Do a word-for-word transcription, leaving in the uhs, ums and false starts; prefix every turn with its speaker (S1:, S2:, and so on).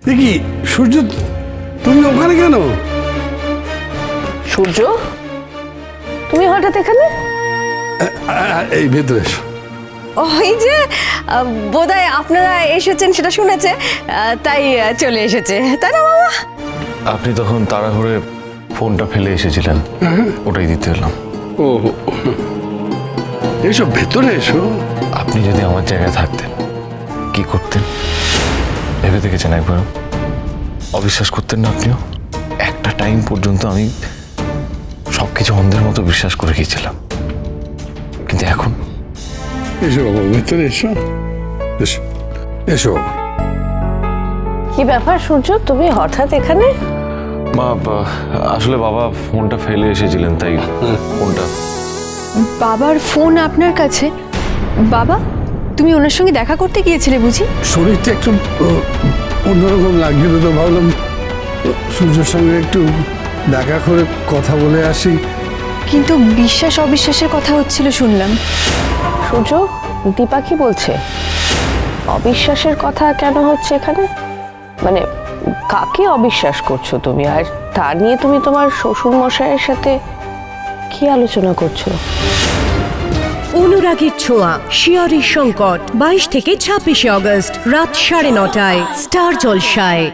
S1: কি সূর্য, তুমি ওখানে কেন?
S2: সূর্য, তুমি হঠাৎ এখানে?
S1: এই ভেতরে এসো।
S2: ওই যে বোধহয় আপনারা এসেছেন সেটা শুনেছে, তাই চলে এসেছে, তাই না বাবা?
S3: আপনি তখন তাড়াহুড়ে ফোনটা ফেলে এসেছিলেন, ওটাই দিতে এলাম।
S1: ও এসো, ভেতরে এসো।
S3: আপনি যদি আমার জায়গায় থাকতেন কি করতেন ভেবে দেখেছেন একবারও? অবিশ্বাস করতেন না আপনিও? একটা টাইম পর্যন্ত আমি সবকিছু অন্ধের মতো বিশ্বাস করে গিয়েছিলাম, কিন্তু এখন
S1: এসো বাবা, ভেতরে এসো, এসো এসো।
S2: কি ব্যাপার সূর্য, তুমি হঠাৎ এখানে?
S3: মা, বা- আসলে বাবা ফোনটা ফেলে এসেছিলেন, তাই ফোনটা।
S4: বাবার ফোন আপনার কাছে? বাবা, তুমি ওনার সঙ্গে দেখা করতে গিয়েছিলে বুঝি?
S1: শরীরটা একটু আহ, অন্যরকম লাগছিল, তো ভাবলাম সূর্যের সঙ্গে একটু দেখা করে কথা বলে আসি।
S4: কিন্তু বিশ্বাস অবিশ্বাসের কথা হচ্ছিল শুনলাম।
S2: সূর্য, দীপা কি বলছে? অবিশ্বাসের কথা কেন হচ্ছে এখানে? মানে কাকে অবিশ্বাস করছো তুমি, আর তা নিয়ে তুমি তোমার শ্বশুর মশাইয়ের সাথে কি আলোচনা করছো?
S5: অনুরাগের ছোঁয়া, শিয়রের সংকট, বাইশ থেকে ছাব্বিশে অগস্ট রাত সাড়ে নটায় স্টার জলসায়।